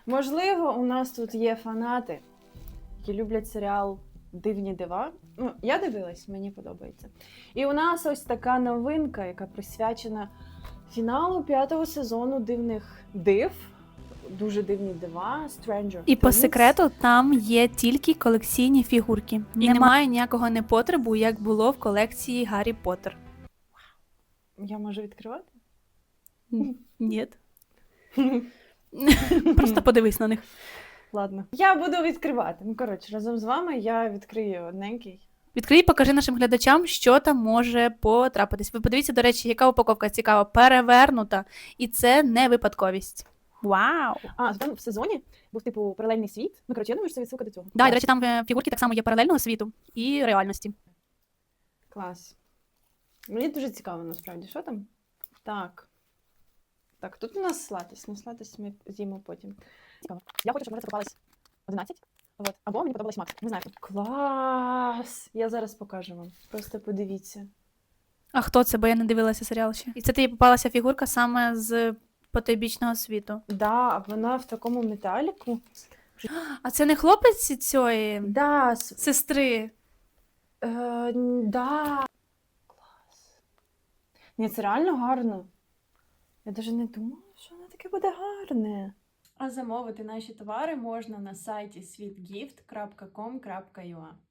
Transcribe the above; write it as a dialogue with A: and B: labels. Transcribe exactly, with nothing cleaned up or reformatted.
A: Можливо, у нас тут є фанати, які люблять серіал «Дивні дива». Ну, я дивилась, мені подобається. І у нас ось така новинка, яка присвячена фіналу п'ятого сезону «Дивних див». Дуже дивні дива, Stranger
B: І по
A: Things.
B: секрету там є тільки колекційні фігурки. І немає ніякого непотребу, як було в колекції Гаррі Поттер.
A: Я можу відкривати?
B: Ні. Просто подивись на них.
A: Ладно. Я буду відкривати. Ну, коротше, разом з вами я відкрию одненький.
B: Відкрий, покажи нашим глядачам, що там може потрапитись. Ви подивіться, до речі, яка упаковка цікава, перевернута. І це не випадковість. Вау!
A: А, там в сезоні був, типу, паралельний світ. Ну, коротше, я думаю, що це відсилка до цього.
B: Да, і, до речі, там е, фігурки так само є паралельного світу і реальності.
A: Клас. Мені дуже цікаво, насправді, що там? Так. Так, тут у нас слатись. Ну, слатись ми з'їмо потім. Цікаво. Я хочу, щоб мене покупалось одинадцять. От. Або мені подобалось Макс. Не знаю. Клас! Я зараз покажу вам. Просто подивіться.
B: А хто це? Бо я не дивилася серіал ще. І це тобі попалася фігурка саме з потойбічного світу.
A: Да, вона в такому металіку.
B: А це не хлопець цієї
A: Да, с...
B: сестри?
A: Е, н- да. Клас. Ні, це реально гарно. Я навіть не думала, що воно таке буде гарне. А замовити наші товари можна на сайті світгіфт крапка ком крапка ю а.